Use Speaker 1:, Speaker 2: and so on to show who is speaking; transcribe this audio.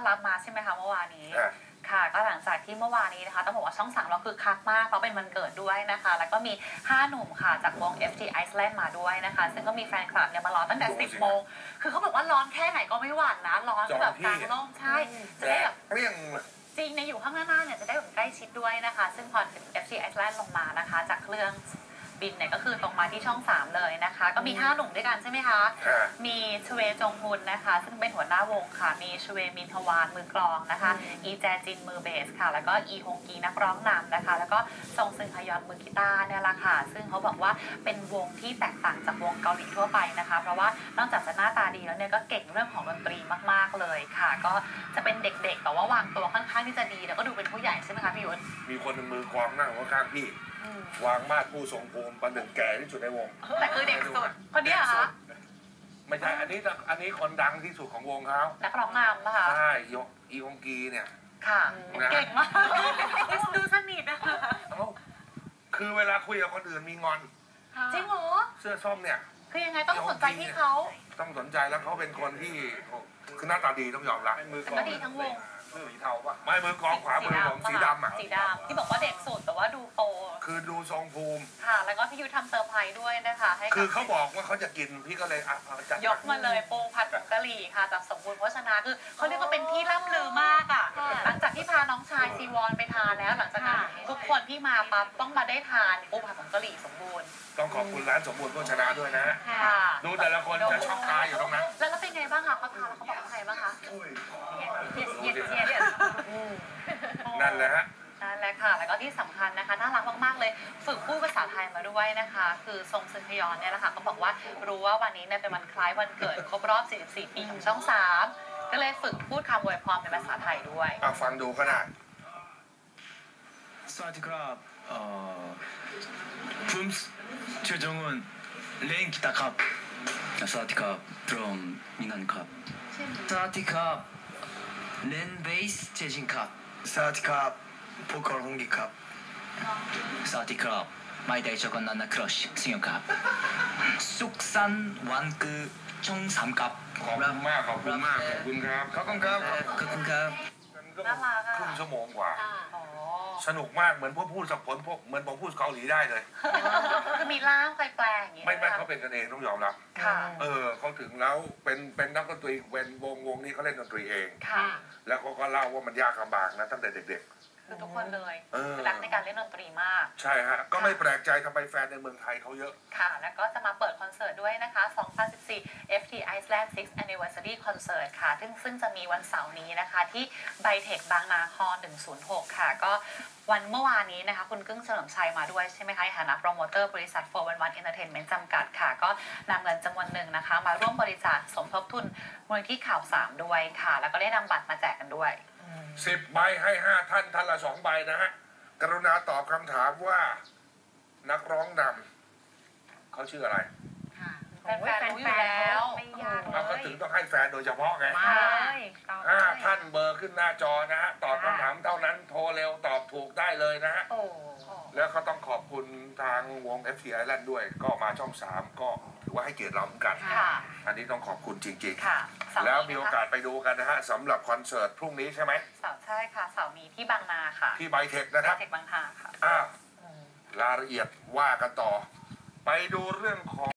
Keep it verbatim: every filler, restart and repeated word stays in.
Speaker 1: รับมาใช่ไหมคะเมื่อวานนี้ค่ะก็หลังจากที่เมื่อวานนี้นะคะต้องบอกว่าช่องสามเราคือคักมากเพราะเป็นวันเกิดด้วยนะคะแล้วก็มีห้าหนุ่มค่ะจากวง เอฟ ที Iceland มาด้วยนะคะซึ่งก็มีแฟนคลับเนี่ยมารอตั้งแต่สิบโมงคือเขาบอกว่าร้อนแค่ไหนก็ไม่หวั่นนะร้อนแบบกลางร่มใช่จะได้แบบ
Speaker 2: เรียง
Speaker 1: จริงในอยู่ข้างหน้าเนี่ยจะได้แบบใกล้ชิดด้วยนะคะซึ่งพอ เอฟ ที Iceland ลงมานะคะจากเครื่องบินเนี่ยก็คือตรงมาที่ช่องสามเลยนะคะก็มีห้าหนุ่มด้วยกันใช่ไหมคะมีชเวจงฮุนนะคะซึ่งเป็นหัวหน้าวงค่ะมีชเวมินทวานมือกลองนะคะอีแจจินมือเบสค่ะแล้วก็อีฮงกีนักร้องนำนะคะแล้วก็ซงซึงฮยอนมือกีตาร์เนี่ยแหละค่ะซึ่งเขาบอกว่าเป็นวงที่แตกต่างจากวงเกาหลีทั่วไปนะคะเพราะว่านอกจากจะหน้าตาดีแล้วเนี่ยก็เก่งเรื่องของดนตรีมากๆเลยค่ะก็จะเป็นเด็กๆแต่ว่าวางตัวค่อนข้างที่จะดีแล้วก็ดูเป็นผู้ใหญ่ใช่ไหมคะพี่ยุทธ
Speaker 2: มีคนมือกลองนั่งข้างพี่วางมาดผู้ทรงภูมิประหนึ่งแก่ที่สุดในวง
Speaker 1: แต่คือเด็กสุดคนนี้เหรอคะ
Speaker 2: ไม่ใช่อันนี้อันนี้คนดังที่สุดของวงเขา
Speaker 1: นักร้องนำนะคะ
Speaker 2: ใช่อีฮงกีเนี่ย
Speaker 1: ค่ะเก่งมากดูสนิทนะคะ
Speaker 2: คือเวลาคุยกับคนอื่นมีงอน
Speaker 1: จริงเหรอ
Speaker 2: เสื้อส้มเนี่ย
Speaker 1: คือยังไงต้องสนใจที่เขา
Speaker 2: ต้องสนใจแล้วเขาเป็นคนที่คือหน้าตาดีต้องยอมรับ
Speaker 1: แต่ก็ดีทั้งวง
Speaker 2: สีเทาปะไม่มือกองขวามือของสีดำอ่ะ
Speaker 1: สีดำที่บอกว่าเด็กสุดแต่ว่าดูโต
Speaker 2: คือดูทรงภูมิ
Speaker 1: ค่ะแล้วก็พี่ยุทธทำเซอร์ไพรส์ด้วยนะคะให้
Speaker 2: คือเขาบอกว่าเขาจะกินพี่ก็เลยอ่ะจัด
Speaker 1: ยกมาเลยโปผัดผงกะหรี่ค่ะจากสมบูรณ์โภชนาคือเขาเรียกว่าเป็นที่ล่ำลือมากอ่ะหลังจากที่พาน้องชายซีวอนไปทานแล้วหลังจากนั้นทุกคนที่มาปั๊บต้องมาได้ทานโปผัดผงกะหรี่สมบูรณ์
Speaker 2: ต้องขอบคุณร้านสมบูรณ์โภชนาด้วยนะดูแต่ละคนจะช็อกตายอยู่ตรงนั้น
Speaker 1: แล้วเป็นไงบ้างคะเขาทานแล้วเขาบอกว่าไงบ้างคะเย็นเย็นเย็น
Speaker 2: นั่นแหละฮะ
Speaker 1: นั่นแหละค่ะแล้วก็ที่สำคัญนะคะน่ารักมากๆเลยฝึกพูดภาษาไทยมาด้วยนะคะคือทรงซึงฮยอนเนี่ยแหละค่ะเขาบอกว่ารู้ว่าวันนี้เนี่ยเป็นวันคล้ายวันเกิดครบรอบสี่สิบสี่ปีของช่องสามก็เลยฝึกพูดคำอวยพรเป็นภาษาไทยด้วย
Speaker 2: อ่ะฟังดูก็ได้
Speaker 3: สวัสดีครับเอ่อพุ่มเชจงอุนเล่นกีตาร์ครับสวัสดีครับดรัมมินันครับสวัสดีครับเล่นเบสเจจินครับสวัสดีครับโปรคอลฮงกิครับสวัสดีครับไม่ได้ชกันนันนักครัชสิงห์ครับสุขสันต์วันเกิดช่องสามครับ
Speaker 2: ขอบคุณมากขอบคุณมากขอบคุณครับ
Speaker 3: ขอบคุณครับขอบคุณครับ
Speaker 1: น่ารักอ่ะ
Speaker 2: ครึ่งชั่วโมงกว่าสนุกมากเหมือนพวกพูดสับผลพวกเหมือนผมพูดเกาหลีได้เลย
Speaker 1: คือมีล่ามแปลงอย่างเงี้ย
Speaker 2: ไม่ไม่เขาเป็นกันเองต้องยอมรับเออเขาถึงแล้วเป็นเป็นนักดนตรีเป็นวงวงนี้เขาเล่นดนตรีเองแล้วเขาก็เล่าว่ามันยากลำบากนะตั้งแต่เด็ก
Speaker 1: ๆคือทุกคนเลยรักในการเล่นดนตรีมาก
Speaker 2: ใช่ฮะก็ไม่แปลกใจทำไมแฟนในเมืองไทยเขาเยอะ
Speaker 1: ค่ะแล้วก็จะมาเปิดคอนเสิร์ตด้วยนะคะสองพันสิบสี่ เอฟ ที Iceland sixth Anniversary Concert ค่ะซึ่งซึ่งจะมีวันเสาร์นี้นะคะที่ไบเทคบางนาฮอลล์หนึ่งศูนย์หกค่ะก็วันเมื่อวานนี้นะคะคุณกึ้งเฉลิมชัยมาด้วยใช่ไหมคะในฐานะโปรโมเตอร์บริษัทโฟร์วันวันเอนเตอร์เทนเมนต์จำกัดค่ะก็นำเงินจำนวนหนึ่งนะคะมาร่วมบริจาคสมทบทุนมูลนิธิข่าวสามด้วยค่ะแล้วก็ได้นำบัตรมาแจกกันด้วย
Speaker 2: สิบใบให้ห้าท่านท่านละสองใบนะฮะกรุณาตอบคำถามว่านักร้องนำเขาชื่ออะไร
Speaker 1: แฟนๆรู้อยู่แล้วไม่ยาก
Speaker 2: เลยก็ถึงต้องให้แฟนโดยเฉพาะไงห้าท่านเบอร์ขึ้นหน้าจอนะฮะตอบคำถามเท่านั้นโทรเร็วตอบถูกได้เลยนะฮะแล้วก็ต้องขอบคุณทางวง เอฟ ที Iceland ด้วยก็มาช่องสามก็ถือว่าให้เกียรติเราเหมือนกันอันนี้ต้องขอบคุณจริงๆแล้วมีโอกาสไปดูกันนะฮะสำหรับคอนเสิร์ตพรุ่งนี้ใช่ไหม
Speaker 1: เสาร์ใช่ค่ะเสาร์นี้ที่บางนาค่ะ
Speaker 2: ที่ไบเทคนะครับ
Speaker 1: ไบเทคบางนาค่ะ
Speaker 2: อ้าวรายละเอียดว่ากันต่อไปดูเรื่องของ